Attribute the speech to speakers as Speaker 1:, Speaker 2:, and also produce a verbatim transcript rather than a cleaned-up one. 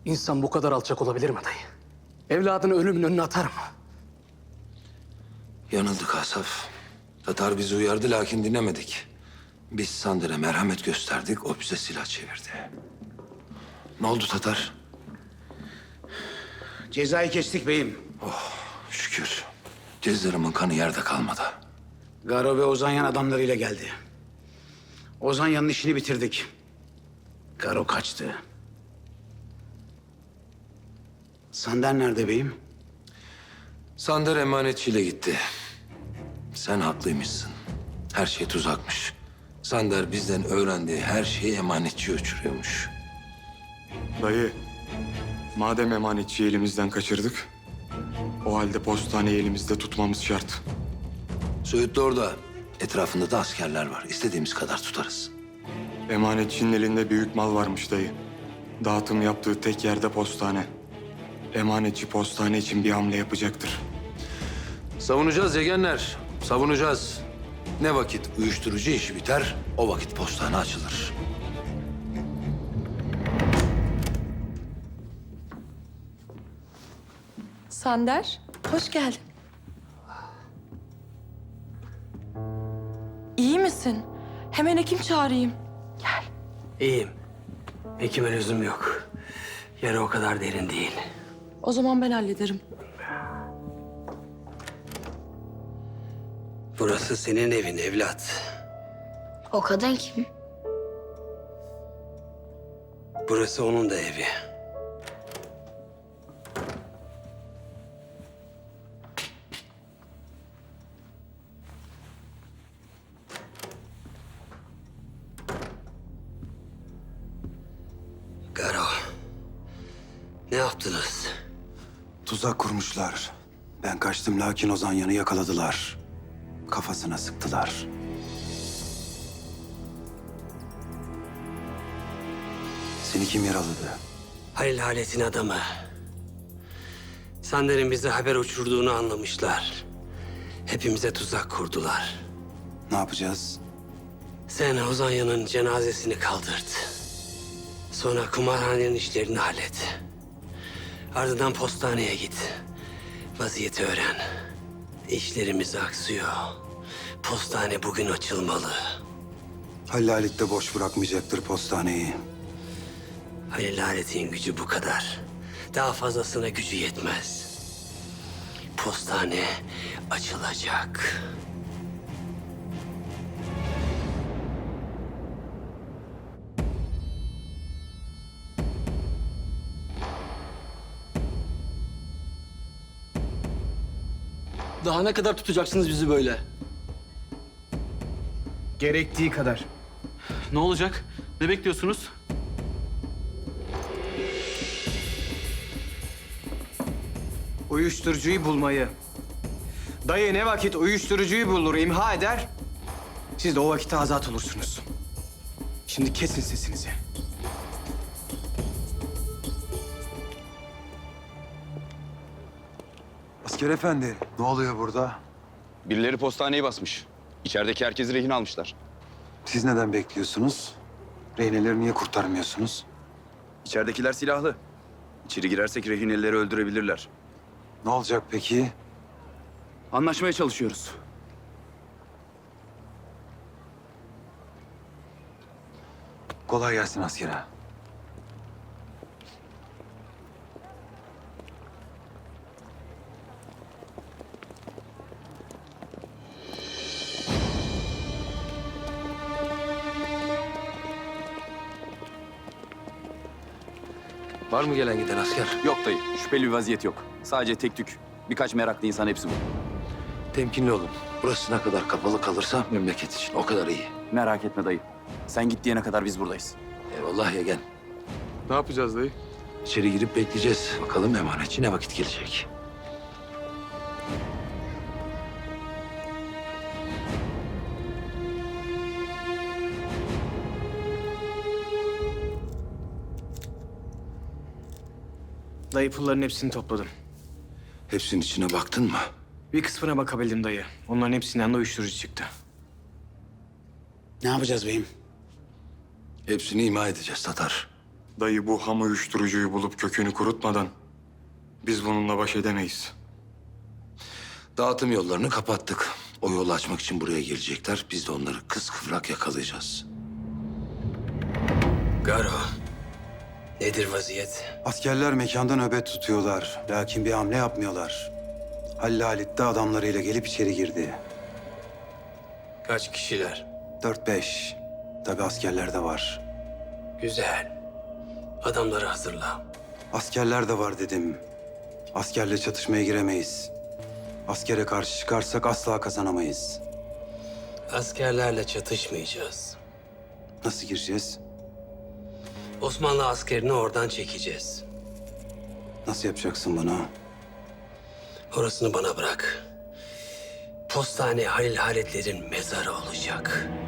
Speaker 1: İnsan bu kadar alçak olabilir mi dayı? Evladını ölümün önüne atar mı?
Speaker 2: Yanıldık Asaf. Tatar bizi uyardı lakin dinlemedik. Biz Sander'e merhamet gösterdik, o bize silah çevirdi. Ne oldu Tatar?
Speaker 3: Cezayı kestik beyim.
Speaker 2: Şükür. Cezlarımın kanı yerde kalmadı.
Speaker 3: Garo ve Ozanyan adamlarıyla geldi. Ozanyan'ın işini bitirdik. Garo kaçtı. Sander nerede beyim?
Speaker 2: Sander emanetçiyle gitti. Sen haklıymışsın. Her şey tuzakmış. Sander bizden öğrendiği her şeyi emanetçiye uçuruyormuş.
Speaker 4: Dayı, madem emanetçiyi elimizden kaçırdık, o halde postaneyi elimizde tutmamız şart.
Speaker 2: Söğüt de orada. Etrafında da askerler var. İstediğimiz kadar tutarız.
Speaker 4: Emanetçinin elinde büyük mal varmış dayı. Dağıtım yaptığı tek yerde postane. Emanetçi postane için bir hamle yapacaktır.
Speaker 2: Savunacağız yegenler. Savunacağız. Ne vakit uyuşturucu işi biter, o vakit postane açılır.
Speaker 5: Sander, hoş geldin. İyi misin? Hemen hekim çağırayım. Gel.
Speaker 6: İyiyim. Hekime lüzum yok. Yara o kadar derin değil.
Speaker 5: O zaman ben hallederim.
Speaker 6: Burası senin evin evlat.
Speaker 7: O kadın kim?
Speaker 6: Burası onun da evi. Garo. Ne yaptınız?
Speaker 8: Tuzak kurmuşlar. Ben kaçtım lakin Ozanyan'ı yakaladılar. Kafasına sıktılar. Seni kim yaraladı?
Speaker 6: Halil Halet'in adamı. Sander'in bize haber uçurduğunu anlamışlar. Hepimize tuzak kurdular.
Speaker 8: Ne yapacağız?
Speaker 6: Sen Ozanya'nın cenazesini kaldırt. Sonra kumarhanenin işlerini hallet. Ardından postaneye git. Vaziyeti öğren. İşlerimiz aksıyor. Postane bugün açılmalı.
Speaker 8: Hallalit de boş bırakmayacaktır postaneyi.
Speaker 6: Halil Halet'in gücü bu kadar. Daha fazlasına gücü yetmez. Postane açılacak.
Speaker 1: Daha ne kadar tutacaksınız bizi böyle?
Speaker 9: Gerektiği kadar.
Speaker 10: Ne olacak? Ne bekliyorsunuz?
Speaker 9: Uyuşturucuyu bulmayı. Dayı ne vakit uyuşturucuyu bulur, imha eder, siz de o vakitte azat olursunuz. Şimdi kesin sesinizi.
Speaker 8: Asker efendi, ne oluyor burada?
Speaker 11: Birileri postaneyi basmış. İçerideki herkesi rehin almışlar.
Speaker 8: Siz neden bekliyorsunuz? Rehineleri niye kurtarmıyorsunuz?
Speaker 11: İçeridekiler silahlı. İçeri girersek rehineleri öldürebilirler.
Speaker 8: Ne olacak peki?
Speaker 9: Anlaşmaya çalışıyoruz.
Speaker 8: Kolay gelsin askere.
Speaker 2: Var mı gelen giden asker?
Speaker 11: Yok dayı, şüpheli bir vaziyet yok. Sadece tek tük. Birkaç meraklı insan, hepsi bu.
Speaker 2: Temkinli olun. Burası ne kadar kapalı kalırsa memleket için o kadar iyi.
Speaker 11: Merak etme dayı. Sen git diyene kadar biz buradayız.
Speaker 2: Eyvallah yegen.
Speaker 4: Ne yapacağız dayı?
Speaker 2: İçeri girip bekleyeceğiz. Bakalım emanetçi ne vakit gelecek.
Speaker 9: Dayı pulların hepsini topladım.
Speaker 2: Hepsinin içine baktın mı?
Speaker 9: Bir kısmına bakabildim dayı. Onların hepsinden de uyuşturucu çıktı.
Speaker 3: Ne yapacağız beyim?
Speaker 2: Hepsini ima edeceğiz Tatar.
Speaker 4: Dayı bu ham uyuşturucuyu bulup kökünü kurutmadan biz bununla baş edemeyiz.
Speaker 2: Dağıtım yollarını kapattık. O yolu açmak için buraya gelecekler. Biz de onları kıskıvrak yakalayacağız.
Speaker 6: Garo, nedir vaziyet?
Speaker 8: Askerler mekanda nöbet tutuyorlar. Lakin bir hamle yapmıyorlar. Halil Halit de adamlarıyla gelip içeri girdi.
Speaker 6: Kaç kişiler?
Speaker 8: Dört beş. Tabii askerler de var.
Speaker 6: Güzel. Adamları hazırla.
Speaker 8: Askerler de var dedim. Askerle çatışmaya giremeyiz. Askere karşı çıkarsak asla kazanamayız.
Speaker 6: Askerlerle çatışmayacağız.
Speaker 8: Nasıl gireceğiz?
Speaker 6: Osmanlı askerini oradan çekeceğiz.
Speaker 8: Nasıl yapacaksın bunu?
Speaker 6: Orasını bana bırak. Postane Halil Halitlerin mezarı olacak.